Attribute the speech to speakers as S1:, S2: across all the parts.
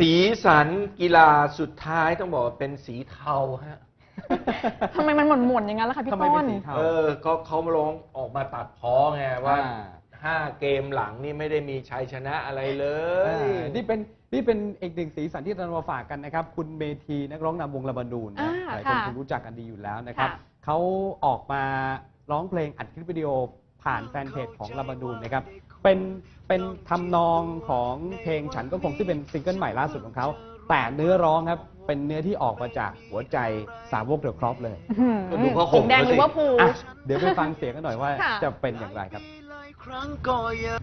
S1: สีสันกีฬาสุดท้ายต้องบอกว่าเป็นสีเทาฮะ
S2: ทำไมมันหม่นๆอย่างนั้นล่ะคะพี่
S3: ทำไม
S2: ต้
S3: เป็น
S2: น
S3: สีเทา
S1: ก็เขาลงออกมาตัดพ้อไงว่า
S3: อ่า
S1: 5 เกมหลังนี่ไม่ได้มีชัยชนะอะไรเลย
S3: นี่เป็นอีกหนึ่งสีสันที่เรามาฝากกันนะครับ คุณเมธีนักร้องนำวงลาบานูนนะหลายคนคงรู้จักกันดีอยู่แล้วนะครับ
S2: ค่ะ
S3: เขาออกมาร้องเพลงอัดคลิปวิดีโอผ่านแฟนเพจของลาบานูนนะครับเป็นทำนองของเพลงฉันก็คงที่เป็นซิงเกิลใหม่ล่าสุดของเขาแต่เนื้อร้องครับเป็นเนื้อที่ออกมาจากหัวใจสาวกเดอะครอปเลย
S1: ก็ดูเขาห่ม
S2: แดง
S1: เขาสิ
S2: ลิเวอร์พูล
S3: อ่ะเดี๋ยวไปฟังเสียงกันหน่อยว่า
S2: ค่ะ
S3: จะเป็นอย่างไรครับ
S4: หลายครั้งก็ยัง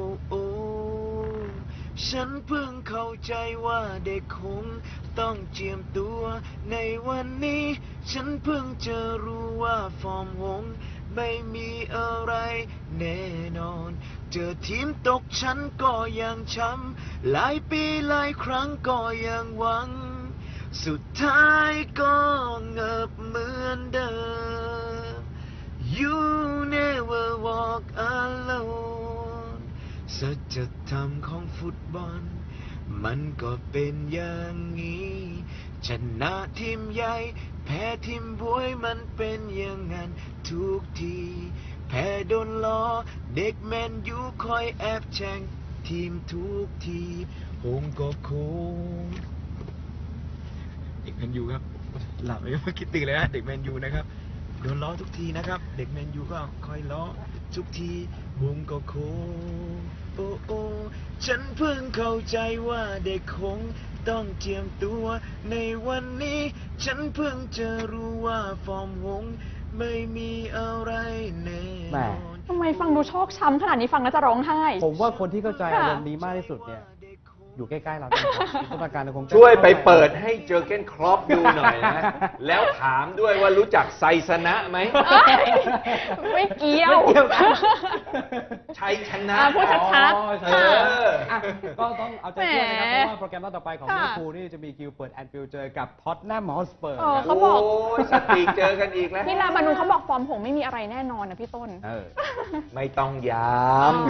S4: ฉันเพิ่งเข้าใจว่าเด็กคงต้องเจียมตัวในวันนี้ ฉันเพิ่งจะรู้ว่าฟอร์มวงไม่มีอะไรแน่นอน เจอทีมตกฉันก็ยังช้ำหลายปีหลายครั้งก็ยังหวัง สุดท้ายก็เงิบเหมือนเดิม You never walk alone สัจธรรมของฟุตบอลมันก็เป็นอย่างนี้ ชนะทีมใหญ่แพ้ทีมบวยมันเป็นอย่างนั้นทุกที แพ้โดนล้อเด็กแมนยูคอยแอบแช่งทีมทุกทีหงก็คงเด็กแมนยูครับ หลับไปเมื่อกี้ตื่นเลยนะเด็กแมนยูนะครับโดนล้อทุกทีนะครับ เด็กแมนยูก็คอยล้อทุกทีวงก็โค้งโอ้ฉันเพิ่งเข้าใจว่าเด็กคงต้องเจียมตัวในวันนี้ ฉันเพิ่งจะรู้ว่าฟอร์มวงไม่มีอะไรแน่
S3: แห
S4: น
S3: ม่
S4: อน
S2: ทำไมฟังดูชอกช้ำขนาดนี้ฟังแล้วจะร้องไห้
S3: ผมว่าคนที่เข้าใจ
S2: ค่ะ
S3: อารมณ์นี้มากที่สุดเนี่ยอยู่ใกล้ๆเราเนี่ยจินตนาการเราคงจะ
S1: ช่วยไปเปิดให้เจอร์เก้นครอปดูหน่อยนะ แล้วถามด้วยว่ารู้จักไซสนะไหม
S2: เอ้ยไม่เกี่ยว
S3: ไม่เกี่ยวกัน
S1: ชัยชนะ
S2: พูดชัด
S3: อ๋อ
S2: ๆ
S3: ใช่
S2: ค่ะ
S3: อ่ะก็ต้องเอาใจช่วยนะครับ
S2: แหม
S3: เพราะว่าโปรแกรมรอบต่อไปของ
S2: ค่ะ
S3: ลิเวอร์พูลนี่จะมีคิวเปิดแอนฟิลด์เจอกับท็อตแนมฮอสเปอร์
S2: เออ
S3: ครับ
S2: เขาบอก
S1: โอ้ยสติเจอกันอีกแล้ว
S2: พี่ลาบานูเขาบอกฟอร์มหงไม่มีอะไรแน่นอนนะพี่ต้น
S3: เออ
S1: ไม่ต้องย้ำ